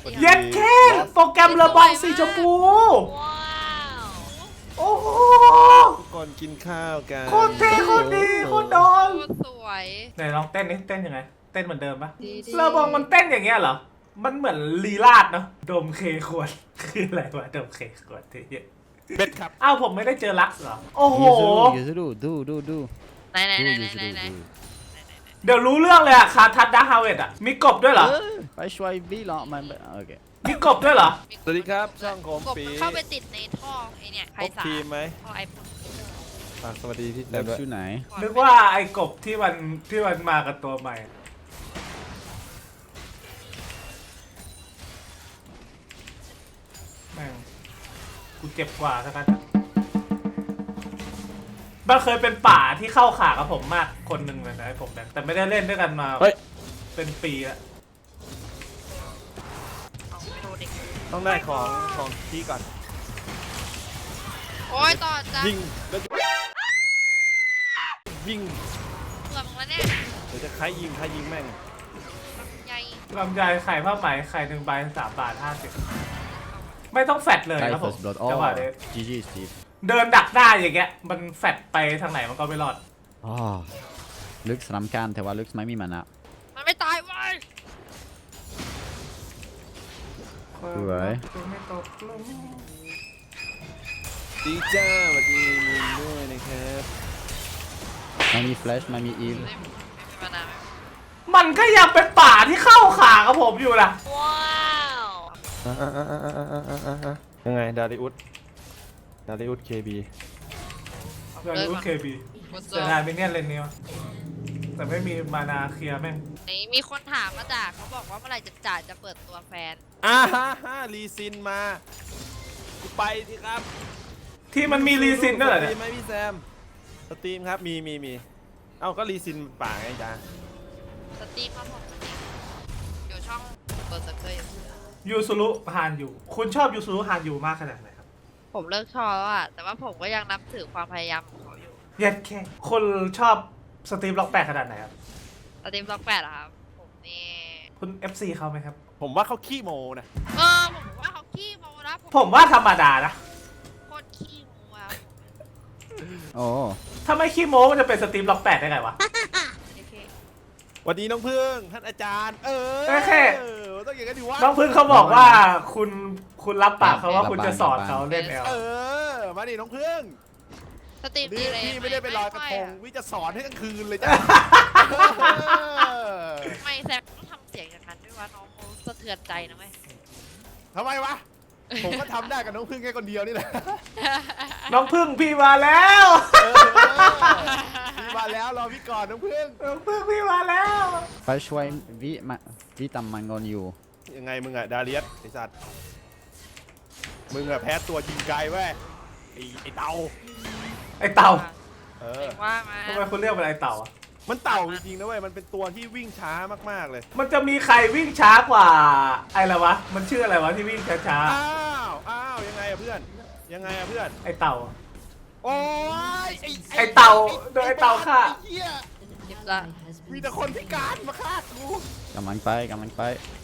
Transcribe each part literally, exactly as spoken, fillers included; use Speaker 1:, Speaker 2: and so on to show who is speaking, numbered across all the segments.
Speaker 1: เย็ดแค่โปรแกรมระบองสีชมพูโอ้โห
Speaker 2: ทุกคนกินข้าวกัน
Speaker 1: โคตรเท่โคตรดีโคตรโดน
Speaker 3: สวย
Speaker 1: ไหนลองเต้นนี่เต้นยังไงเต้นเหมือนเดิมปะ
Speaker 3: ดีๆ
Speaker 1: ระบองมันเต้นอย่างเงี้ยเหรอมันเหมือนลีลาดเนาะดมเคขวดคืออะไรวะดมเคขวดที่
Speaker 2: เบ็ดครับ
Speaker 1: อ้าวผมไม่ได้เจอลักซ์เหรอโอ้โห
Speaker 4: ยูซูดูดูดูดู
Speaker 3: ไหนไหน
Speaker 4: ดู
Speaker 3: ไหน
Speaker 4: ยูซู
Speaker 3: ไหน
Speaker 4: ดู
Speaker 3: ไหน
Speaker 4: ดู
Speaker 1: เดี๋ยวรู้เรื่องเลยอะคาทัดดาร์คฮาเวดอะมีกบด้วยเหรอ
Speaker 4: ไปช่วยบีหรอมันโอเค
Speaker 1: มีกบด้วยเหรอ
Speaker 2: สวัสดีครับช่องโคม
Speaker 3: กบ
Speaker 2: ปี
Speaker 3: มันเข้าไปติดในท่อไอเนี่ยไพ
Speaker 2: ครบ
Speaker 3: ศาล
Speaker 2: ทีมไหม
Speaker 3: ท่อไอ
Speaker 2: ฝากสวัสดีพี่แซ
Speaker 4: เล็
Speaker 2: ม
Speaker 4: บ
Speaker 2: ด้วย
Speaker 4: ชื่อไหน
Speaker 1: นึกว่าไอ้กบที่มันที่มันมากับตัวใหม่แม่งกูเจ็บกว่าสักกันมันเคยเป็นป่าที่เข้าขากับผมมากคนหนึ่งเลยนะไอ้ผมเนี่ยแต่ไม่ได้เล่นด้วยกันมา
Speaker 2: เฮ้ย
Speaker 1: เป็นปีแล้ว
Speaker 3: เอาไปโดนเด็ก
Speaker 2: ต้องได้ของของที่ก่อน
Speaker 3: โอ้ยต่อจ้ะ
Speaker 2: ยิงแล้วยิง
Speaker 3: เบื่อมึงแล้วเนี่ย
Speaker 2: เดี๋ยวจะใครยิงใครยิงแม่ง
Speaker 3: ใหญ่
Speaker 1: ลำไยไข่ผ้าไหมไข่หนึ่งใบสามบาทห้าสิบไม่ต้องแฟดเลย
Speaker 4: ไท
Speaker 1: ครับผ
Speaker 4: เฟิ
Speaker 1: ม
Speaker 4: ร์สบล็อด
Speaker 1: จังหวะนี้
Speaker 4: จีจีสตีฟ
Speaker 1: เดินดักหน้าอย่างเงี้ยมันแฟดไปทางไหนมันก็ไม่รอด
Speaker 4: อ๋อลึกสนามการแต่ว่าลึกไม่มีมันอะ
Speaker 3: มันไม่ตายเว้ย
Speaker 4: สวย
Speaker 1: ไม่ตกลง
Speaker 2: ดีจ้าสวัสดีมินด้วยนะครับ
Speaker 4: ไม่มีแฟลชไม่มีอีฟ
Speaker 3: ไม่ไม่มีมานานไหม
Speaker 1: มันก็ยังเป็นป่าที่เข้าขากับผมอยู่นะ
Speaker 3: ว้าว
Speaker 2: อ่ะอ่ะอ่ะอ่ะอ่ะอ่ะอ่ะอ่ะยังไงดาริอุสดาริอุสเคบี
Speaker 1: เรื่องรู้เคบี
Speaker 3: กดเจ
Speaker 1: แต่
Speaker 3: อ
Speaker 1: นายไม่เนียนเลนนี้วะแต่ไม่มีมานาเคลียร์แม่ง
Speaker 3: นี่มีคนถามมาจากเขาบอกว่าเมื่อไหร่จะจ่าจะเปิดตัวแฟน
Speaker 2: อ่าฮะฮะรีซินมากูไปสิครับ
Speaker 1: ที่มันมีรีซินด้วยเหรอ
Speaker 2: สต
Speaker 1: เนี่
Speaker 2: รี
Speaker 1: ย
Speaker 2: มไหมพี่แซมสตรีมครับมีมีมีเอ้าก็รีซินป่าไงจ้า
Speaker 3: สตรีมครับผมสตรีมอยู่ช่องเปิดสเกย
Speaker 1: ยูซุรุฮานยูคุณชอบยูซุรุฮานยูมากขนาดไหนครับ
Speaker 3: ผมเลิกชอบแล้วอะแต่ว่าผมก็ยังนับถือความพยายามของเขาอยู่
Speaker 1: เย็ดแค่คนชอบสตรีมล็อกแปดขนาดไหนครับ
Speaker 3: สตรีมล็อกแปดอะครับผมนี่
Speaker 1: คุณ เอฟ ซี เขาไหมครับ
Speaker 2: ผมว่าเขาขี้โมนะ
Speaker 3: เออผมว่าเขาขี้โมนะ
Speaker 1: ผมว่าธรรมดานะ
Speaker 3: โคตรขี้โมอะ
Speaker 4: โอ้
Speaker 1: ถ้าไม่ขี้โม้มันจะเป็นสตรีมล็อกแปดได้ไงวะ
Speaker 3: โอเค
Speaker 2: สวัสดีน้องพึ่งท่านอาจารย์ เออ
Speaker 1: โอเค
Speaker 2: ต้องอย่างนั้นดิวะ
Speaker 1: น้องพึ่งเขาบอกว่าคุณคุณรับปากเขาว่าคุณจะสอนเขาเล่นแอล
Speaker 2: เออมาดิน้องพึ่ง
Speaker 3: สตรีม
Speaker 2: นี่
Speaker 3: ดีเลย
Speaker 2: พี่ไม่ได้ไปลอยกระทง
Speaker 3: ไม่
Speaker 2: วิจะสอนให้กลางคืนเลยจ้ะ
Speaker 3: ไม่แซกต้องทำเสียงอย่างนั้นด้วยวะน้องเขาสะเทือนใจนะเว้ย
Speaker 2: ทำไมวะ ผมก็ทำได้กับน้องพึ่งแค่คนเดียวนี่แหละ
Speaker 1: น้องพึ่งพี่มาแล้ว
Speaker 2: เออพี่มาแล้วรอพี่ก่อนน้องพึ่ง
Speaker 1: น้องพึ่งพี่มาแล้ว
Speaker 4: ไปช่วยวิมาวิตามมังกรอยู่
Speaker 2: ยังไงมึงอะดาเลียสไอสัตว์มึงอะแพ้ตัวยิงไกลเว้ยไอไอเต่า
Speaker 1: ไอเต่า
Speaker 2: เออ
Speaker 3: ว่ามา
Speaker 1: ทำไมคุณเรียกมันไอเต่าอ่ะ
Speaker 2: มันเต่าจริงๆนะเว้ยมันเป็นตัวที่วิ่งช้ามากๆเลย
Speaker 1: มันจะมีใครวิ่งช้ากว่าไออะไรวะมันชื่ออะไรวะที่วิ่งช้า
Speaker 2: อ้าวอ้าวยังไงอะเพื่อนยังไงอะเพื่อน
Speaker 1: ๆไอเต่าอะ
Speaker 2: โอ้ย
Speaker 1: ไอ้เต่าโดนไอ้เต่าฆ่า
Speaker 2: ไอ้เหี้ย
Speaker 3: จิบละ
Speaker 2: มีแต่คนพิการมาฆ่ากู
Speaker 4: กำลังไปกำลังไป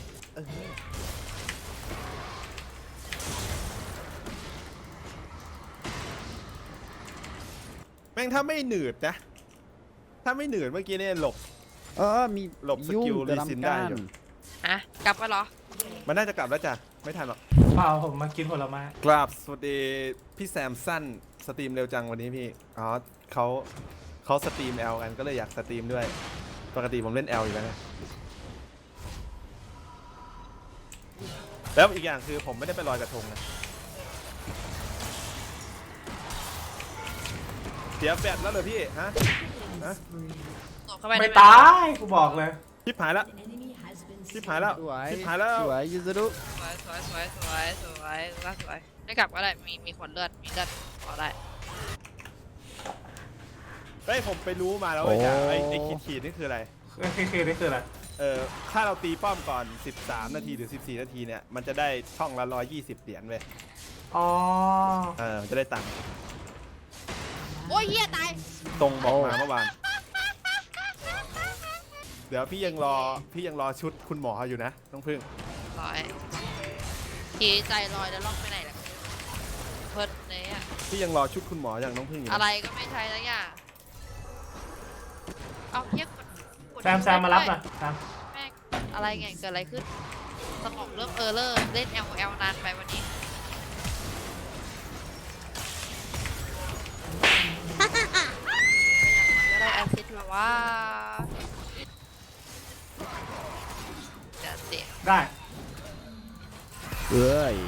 Speaker 2: แม่งถ้าไม่หนืดนะ ถ้าไม่หนืดเมื่อกี้เนี่ยหลบ
Speaker 4: เออมี
Speaker 2: หลบสกิล
Speaker 4: ยุ่ง
Speaker 2: รีซินได้อยู่
Speaker 3: อ่ะกลับมาเหรอ
Speaker 2: มันน่าจะกลับแล้วจ้ะ ไม่ทันหรอก
Speaker 1: เปล่าผมมากินผลไม้
Speaker 2: กราบสวัสดีพี่แซมสั้นสตรีมเร็วจังวันนี้พี่ อ๋อเขาเขาสตรีมแอลกันก็เลยอยากสตรีมด้วย ปกติผมเล่นแอลอยู่แล้วไงแล้วอีกอย่างคือผมไม่ได้ไปลอยกระทงนะเสียแบตแล้วเหรอพี่ ฮะ ฮะ
Speaker 3: หนูเข้าไป
Speaker 1: ไม่
Speaker 3: ด้ห
Speaker 1: ตายกูบอกเลย
Speaker 2: ชิบหายแล้วชิบหายแล้ว
Speaker 4: สวย
Speaker 2: ชิบหายแล้ว
Speaker 4: สวยยูซูดู
Speaker 3: สวยสวยสวยสวยสวยสวยสวยไม่กลับก็ได้มีมีขวดเลือดมีเลือดขอได้
Speaker 2: เฮ้ยผมไปรู้มาแล้วเว้ยจ้ะไอ้ไอ้ขีดขีดนี่คืออะไร
Speaker 1: เคเคนี่คืออะไร
Speaker 2: เออถ้าเราตีป้อมก่อนสิบสามนาทีหรือสิบสี่นาทีเนี่ยมันจะได้ช่องละหนึ่งร้อยยี่สิบเหรียญเว้ย
Speaker 1: อ๋อ
Speaker 2: เออมันจะได้ตังค์
Speaker 3: โอ้ยเหี้ยตาย
Speaker 2: ตรงบอกมาเมื่อวานเดี๋ยวพี่ยังรอพี่ยังรอชุดคุณหมออยู่นะน้องพึ่ง
Speaker 3: ร้อยทีใจลอยแล้วล่องไปไหนล่ะเพิร์ดเนี่ย
Speaker 2: พี่ยังรอชุดคุณหมออย่างน้องพึ่งอยู่
Speaker 3: อะไรก็ไม่ใช่แล้วอย่างเอาเทียบกดกด
Speaker 1: แซมแซมมารับหน่อยแซม
Speaker 3: แม่งอะไรไงเกิดอะไรขึ้นสมองเริ่มเออเลอร์เล่น แอล แอล นานไปวันนี้ก็ได้แอซิดมาว่าเดี๋ยวเสีย
Speaker 1: ได้
Speaker 4: เอ้ย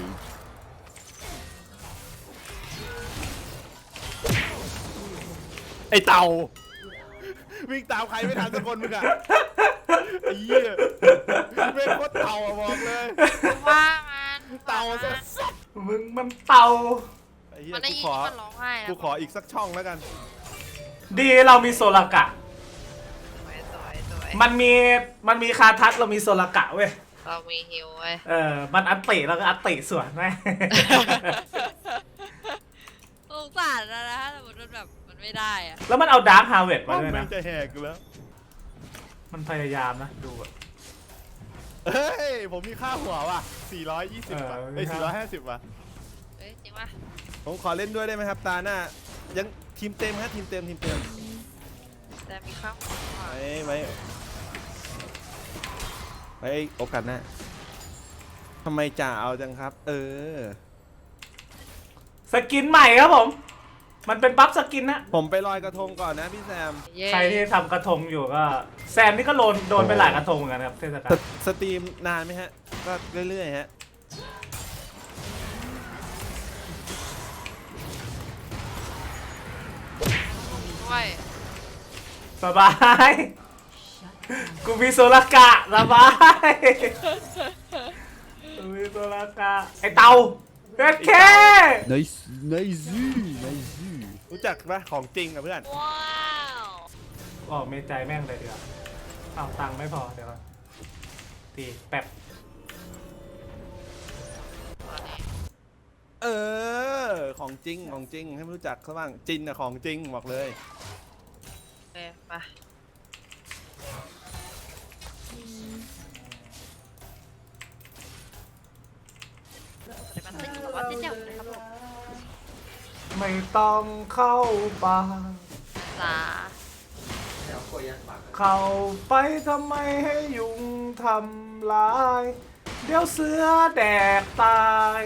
Speaker 2: ไอเต่าวิ่งตามใครไม่ทันสักคนมึงอะไอ้เหี้ยเป็นโคตรเต่าอะบอกเลย
Speaker 3: ว่ามัน
Speaker 2: เต่า
Speaker 3: ว่า
Speaker 2: สั
Speaker 3: มัน
Speaker 2: ส
Speaker 1: มึงมันเต่า
Speaker 2: ไอ้เหี้ย
Speaker 3: มันได้
Speaker 2: กู
Speaker 3: ยิน
Speaker 2: ขอ
Speaker 3: ที่มันร้องไห้นะ
Speaker 2: กูขออีกสักช่องแล้วกัน
Speaker 1: ดีเรามีโซลากะ
Speaker 3: สวยสวยสวย
Speaker 1: มันมีมันมีคาทัสเรามีโซลากะเว้ย
Speaker 3: เรามีฮิวไว้ย
Speaker 1: เออมันอัตติแล้วก็อัตติสวนไหม
Speaker 3: สงสารนะนะแต่มันแบบมันไม่ได้อะ
Speaker 1: แล้วมันเอาดาร์คฮาร์เวดมา
Speaker 2: ว่า
Speaker 1: ด้วย
Speaker 2: มั
Speaker 1: นะ
Speaker 2: นจะแหกกูแล้ว
Speaker 1: มันพยายามนะดูอะ
Speaker 2: เฮ้ยผมมีค่าหัวว่ะสี่ร้อยยี่สิบ
Speaker 1: เออ
Speaker 2: ว่ะ
Speaker 1: มี
Speaker 2: เอ้ย
Speaker 1: ค่า
Speaker 2: สี่ร้อยห้าสิบว่ะ
Speaker 3: เอ้ยจริงปะ
Speaker 2: ผมขอเล่นด้วยได้ไหมครับตาหน้ายังทีมเต็มฮะทีมเต็มทีมเต็ม
Speaker 3: แต่มีข้าวหัว
Speaker 2: ไว้ไว้ไว้โอกาสหน้าทำไมจ่าเอาจังครับ เออ
Speaker 1: สกินใหม่ครับผม มันเป็นบัฟสกินนะ
Speaker 2: ผมไปลอยกระทงก่อนนะพี่แซม
Speaker 3: เย้
Speaker 1: ใครที่ทำกระทงอยู่ก็ แซมนี่ก็โดนโดนไปหลายกระทงเหมือนกันครับเทศกา
Speaker 2: ส
Speaker 1: ล
Speaker 2: สตรีมนานไหมฮะ ก็เรื่อยๆฮะ
Speaker 3: ด้วย
Speaker 1: สบาย กูมีโซลากะสบาย กูมีโซลากะไอเตาเฮ็ดแค่
Speaker 4: ไนซ์ไนซ์ไนซ์
Speaker 2: รู้จักปะของจริงอะเพื่อน
Speaker 3: ว้าว
Speaker 1: ออกเมใจแม่งเลยเดี๋ยวาเอาตังค์ไม่พอเดี๋ยวก่อนตีแป๊บ
Speaker 2: เออ ของจริงของจริงให้มันรู้จักเขาบ้างจินอะของจริงบอกเลย
Speaker 3: โอเคไปเดี๋ยวมันขึ้นอยู่กับว่าเส้นเดียวกันนะครับผม
Speaker 1: ไม่ต้องเข้าป่า
Speaker 3: จ้า
Speaker 1: เข้าไปทำไมให้ยุงทำลาย เดี๋ยวเสือแดกตาย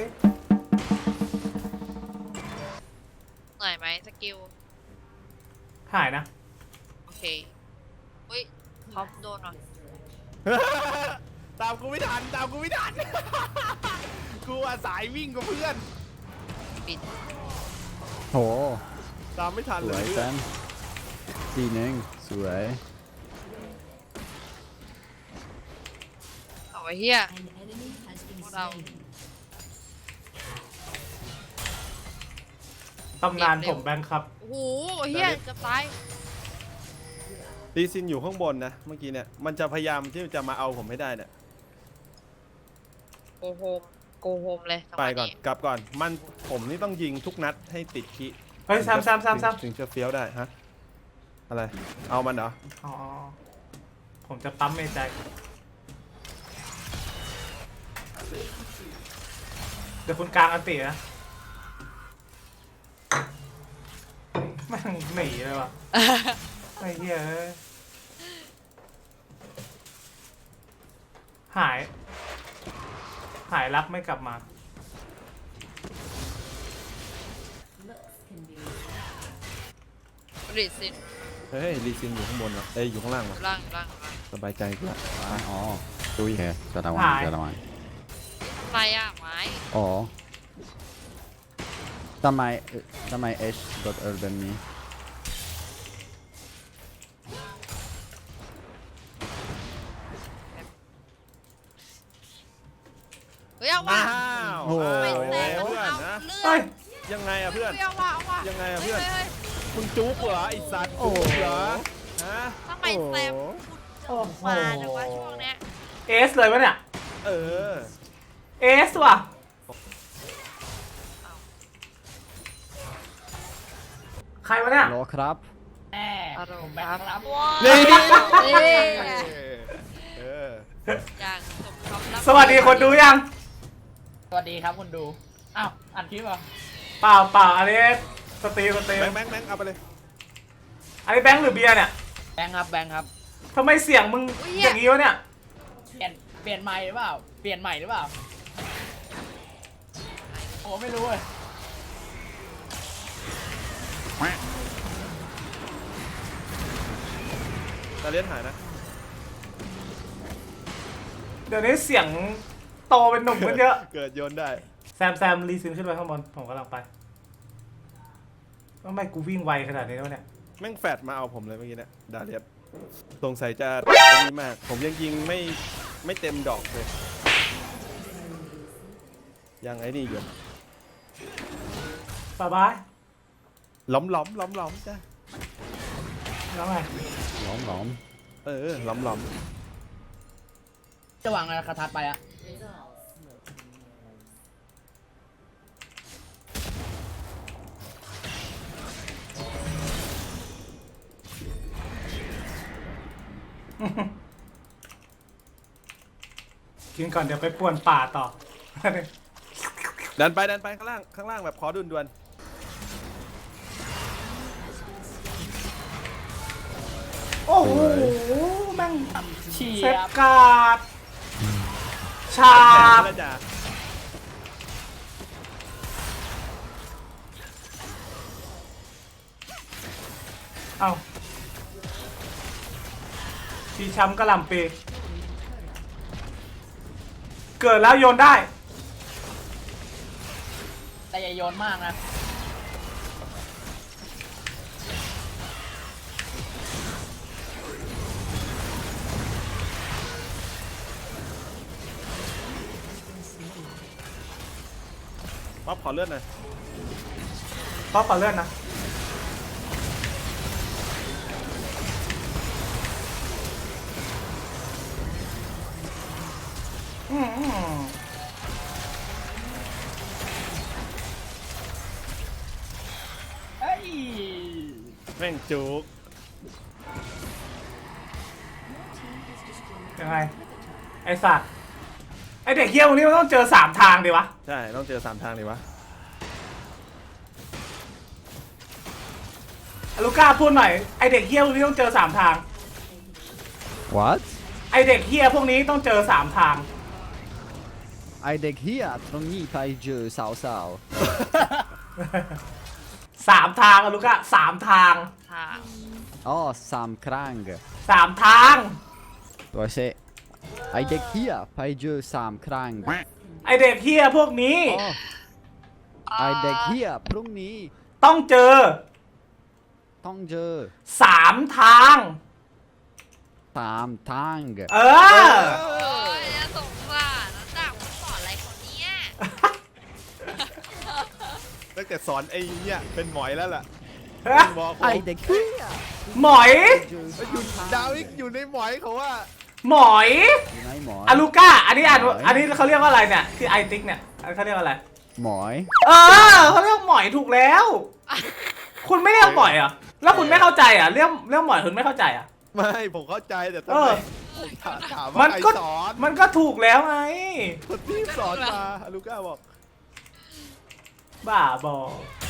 Speaker 3: เหนื่อยไหมสกิล
Speaker 1: หายนะ
Speaker 3: โอเคอุ้ยท็อปโดนหน่อย
Speaker 2: ตามกูไม่ทันตามกูไม่ทัน กูอาสายวิ่งกับเพื่อน
Speaker 3: ปิด
Speaker 4: โห
Speaker 2: ตามไม่ทัน
Speaker 4: ส
Speaker 2: เล
Speaker 4: วย
Speaker 2: ย
Speaker 4: แซมทีหนึ่งสวย
Speaker 3: เอาไว้เฮียพวกเรา
Speaker 1: ตำนานผมแบงค์ครับ
Speaker 3: โอ้โหเฮียจะตาย
Speaker 2: ลีซินอยู่ข้างบนนะเมื่อกี้เนี่ยมันจะพยายามที่จะมาเอาผมให้ได้เนี่ย
Speaker 3: โกโฮมโกโฮมเลยจังห
Speaker 2: ไป
Speaker 3: วะ
Speaker 2: ก่อนกลับก่อนมันผมนี่ต้องยิงทุกนัดให้ติดคิ
Speaker 1: เฮ้ยแซมแซมแซมแซม
Speaker 2: ถึงจะเฟี้ยวได้ฮะอะไรเอามันเหรอ
Speaker 1: อ๋อ ผมจะปั๊มเมใจ เดี๋ยวคุณกลางอันตินะแม่งหนีเลยว่ะ ไอ้เหี้ยเอ้ยหาย หายรับไม่กลับมา
Speaker 3: ริซิน
Speaker 2: เฮ้ยลีซินอยู่ข้างบนเหรอเอ้ยอยู่ข้างล่างเหรอ
Speaker 3: ล่างล่างล่าง
Speaker 2: สบายใจกูละ
Speaker 4: อ๋อตุยแค่จะระวัง
Speaker 1: หาย
Speaker 4: จะระวัง
Speaker 3: ทำไรอ่ะไม้
Speaker 4: อ๋อทำไมเอ่อทำไมเอชกดเออแบบนี้
Speaker 3: เฮ้ยเอาว่ะ
Speaker 2: อ้าว
Speaker 4: โอ้โห
Speaker 3: ไม่แซง
Speaker 2: เพื่อน
Speaker 3: เอา
Speaker 2: นะ
Speaker 3: เลื
Speaker 1: เฮ้
Speaker 3: อย ด
Speaker 2: ยังไงอะเพื่อน
Speaker 3: เฮ้ยเอาว่ะเอาว่ะ
Speaker 2: ยังไงอะเพื่อน
Speaker 3: ฮ้ย
Speaker 2: คุณจุ๊บเหรอไอสัตว์
Speaker 4: โอ้
Speaker 2: จุ๊
Speaker 4: โห
Speaker 2: บเหรอฮะ
Speaker 3: ทำไมแซม
Speaker 1: โอ้โห
Speaker 3: มาจังวะช่วงเนี้ย
Speaker 1: เอสเลยวะเนี่ย
Speaker 2: เออ
Speaker 1: เอสว่ะ ใครวะเนี่ย
Speaker 4: รอครับ
Speaker 3: อารมณ์ครับว้า
Speaker 2: นี่
Speaker 3: นี่
Speaker 2: เออ
Speaker 3: อย่างสมคำรับ
Speaker 1: สวัสดีคนดูยัง
Speaker 5: สวัสดีครับคุณดู อ้าวอัดคลิปเหรอ
Speaker 1: เปล่าเปล่าอันนี้สตรีมสตรีม
Speaker 2: แบงค์แบงค์แบงค์เอาไปเลย
Speaker 1: อันนี้แบงค์หรือเบียร์เนี่ย
Speaker 5: แบงค์ครับแบงค์ครับ
Speaker 1: ทำไมเสียงมึงอย่างนี้วะเนี่ย
Speaker 5: เปลี่ยนเปลี่ยนใหม่หรือเปล่า เปลี่ยนใหม่หรือเปล่าโอ้ไม่รู้เลย
Speaker 2: ตาเลียนหายนะ
Speaker 1: เดี๋ยวนี้เสียงโตเป็นหนุ่มขึ้นเยอะ
Speaker 2: เกิดโยนได้
Speaker 1: แซมแซมรีซินขึ้นไปข้างบนผมกำลังไปทำไมกูวิ่งไวขนาดนี้วะเนี่ย
Speaker 2: แม่งแฟดมาเอาผมเลยเมื่อกี้เนี่ยดาเลียนสงสัยจะดีมาก ผมยังยิงไม่ไม่เต็มดอกเลย ยังไอ้นี่อยู่
Speaker 1: บายบาย
Speaker 2: ล้อมล้อมล้อมล้อมจ้ะ
Speaker 1: แล้วไง
Speaker 4: หลอมหลอม
Speaker 2: เออล้อมล้อม
Speaker 5: จะวางอะไรคาทัดไปอะ
Speaker 1: กินก่อนเดี๋ยวไปป่วนป่าต่อ
Speaker 2: ดันไปดันไปข้างล่างข้างล่างแบบขอดุนดวน
Speaker 1: โอ้โหแม่ง
Speaker 5: เชีย
Speaker 1: เซฟ
Speaker 5: บ
Speaker 1: การ์ดชา
Speaker 2: แขน
Speaker 1: บ
Speaker 2: แล้วจ้ะ
Speaker 1: เอาชีช้ำกระหล่ำปีเกิดแล้วโยนได้
Speaker 5: แต่อย่าโยนมากนะ
Speaker 2: ป๊อปขอเลือดหน่อย
Speaker 1: ป๊อปปาเลื่อนนะอืม
Speaker 5: เอ้ย
Speaker 2: แม่งจุก
Speaker 1: ยังไง ไอสัตว์ไอเด็กเฮี้ยพวกนี้มันต้องเจอสามทางดิวะ
Speaker 2: ใช่ต้องเจอสามทางเลยวะ
Speaker 1: ลูก้าพูดหน่อย ไอเด็กเฮี้ยพวกนี้ต้องเจอสามทาง
Speaker 4: what
Speaker 1: ไอเด็กเฮี้ยพวกนี้ต้องเจอสามทาง
Speaker 4: ไอเด็กเฮียตรงนี้ไปเจอสาวสาว
Speaker 1: สามทางอะลูก้าสามทาง
Speaker 3: ทาง
Speaker 4: ๆอ๋อสามครั้ง
Speaker 1: สามทาง
Speaker 4: ตัวเชไอเด็กเฮียไปเจอสามครั้ง
Speaker 1: ไอเด็กเฮี้ยพวกนี้
Speaker 4: อ๋อไอเด็กเฮียพรุ่งนี้
Speaker 1: ต้องเจอ
Speaker 4: ต้องเจอ
Speaker 1: สามทาง
Speaker 4: สามทาง
Speaker 1: เออ
Speaker 3: โอ้ยน่าสงสารนะจากมันสอนอะไรคนเนี้ย
Speaker 2: ตั้งแต่สอนไอ้เนี่ยเป็นหมอยแล้วล่ะบอกผม
Speaker 4: ไอเด็กเฮีย
Speaker 1: หมอย
Speaker 4: เจอ
Speaker 2: เอ้ยอยู่ดาวิกอยู่ในหมอยเขาว่า
Speaker 1: หมอย
Speaker 4: อยู่ไหนหมอ
Speaker 1: อะลูก้า อันนี้อ่าน
Speaker 4: หมอย
Speaker 1: อันนี้เขาเรียกว่าอะไรเนี่ย ที่ไอติ๊กเนี่ยอันเขาเรียกว่าอะไร
Speaker 4: หมอย
Speaker 1: เออเขาเรียกหมอยถูกแล้ว คุณไม่เรียกหมอยเหรอ่ะ แล้วคุณไม่เข้าใจอ่ะ เรียกเรียกหมอยคุณไม่เข้าใจอ่ะ
Speaker 2: ไม่ผมเข้าใจแต่ทำ
Speaker 1: เอ
Speaker 2: ไม
Speaker 1: อ
Speaker 2: ผมถามถาม
Speaker 1: มั
Speaker 2: ว่าน ใคร
Speaker 1: ก็
Speaker 2: สอน
Speaker 1: มันก็ถูกแล้วไง
Speaker 2: คนที่สอนมาลูก้าบอก
Speaker 1: บ้าบอ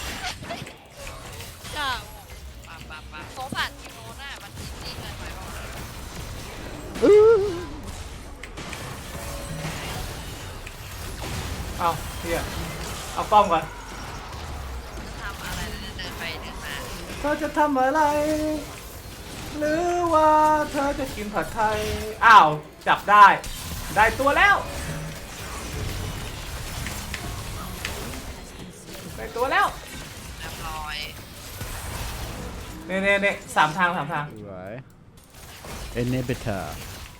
Speaker 3: จ้าปะปะปะโซฟาทีโน้นน่ะมันจริงๆเลยไหมวะ
Speaker 1: เอาเฮียเอาป้อมก่อน
Speaker 3: ทำอะไรเดินไปเดินมา
Speaker 1: เธอจะทำอะไร หรือว่าเธอจะกินผัดไทย อ้าว จับได้ ได้ตัวแล้ว ได้ตัวแล้ว
Speaker 3: เรียบร้อย
Speaker 1: เน่เน่เน่สามทางสามทาง
Speaker 4: สวยเอเนเบเตอร์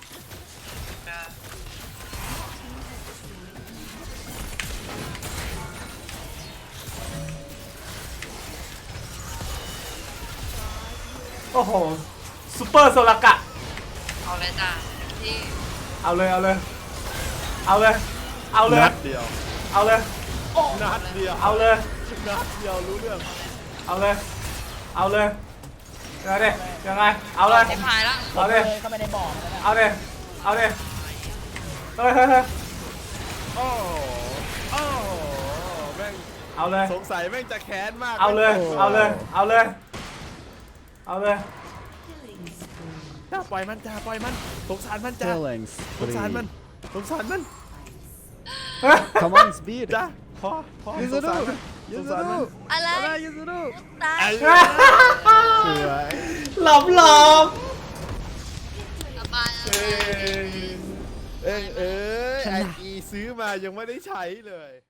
Speaker 1: โอ้โหซูเปอร์โซลากะ
Speaker 3: เอาเลยจ้าที่
Speaker 1: เอาเลย เอาเลย เอาเลย เอาเลย
Speaker 2: นัดเดียว
Speaker 1: เอาเลย
Speaker 2: นัดเดียว
Speaker 1: เอาเลย
Speaker 2: นัดเดียวรู้เรื่อง
Speaker 1: เอาเลย เอาเลยยังไงดิยังไง เอาเลย
Speaker 3: เต็มพายแล้ว
Speaker 1: เอาเลย
Speaker 5: เข้าไปในบ่อมันแล้วนะ
Speaker 1: เอาเลยเอาเลยเฮ้ยเฮ้ยเฮ้ย
Speaker 2: โอ้โห
Speaker 1: เอาเลย
Speaker 2: สงสัยแม่งจะแค้นมาก
Speaker 1: เอาเลย เอาเลย เอาเลย เอาเลย
Speaker 2: จ้าปล่อยมันจ้าปล่อยมันสงสารมันจ้า
Speaker 4: Killing
Speaker 2: สงสารมัน
Speaker 4: spree.
Speaker 2: สงสารมัน
Speaker 4: Come on, speed.
Speaker 2: จ้าพอพอสงสารมันสงสารมัน
Speaker 3: อะไร
Speaker 4: Yuzuru.
Speaker 3: ตาย
Speaker 2: ไอ้
Speaker 4: สวย
Speaker 1: หลบหลบ
Speaker 3: สบาย
Speaker 2: เอ้ยเอ้ยเอ้ยไออีซื้อมายังไม่ได้ใช้เลย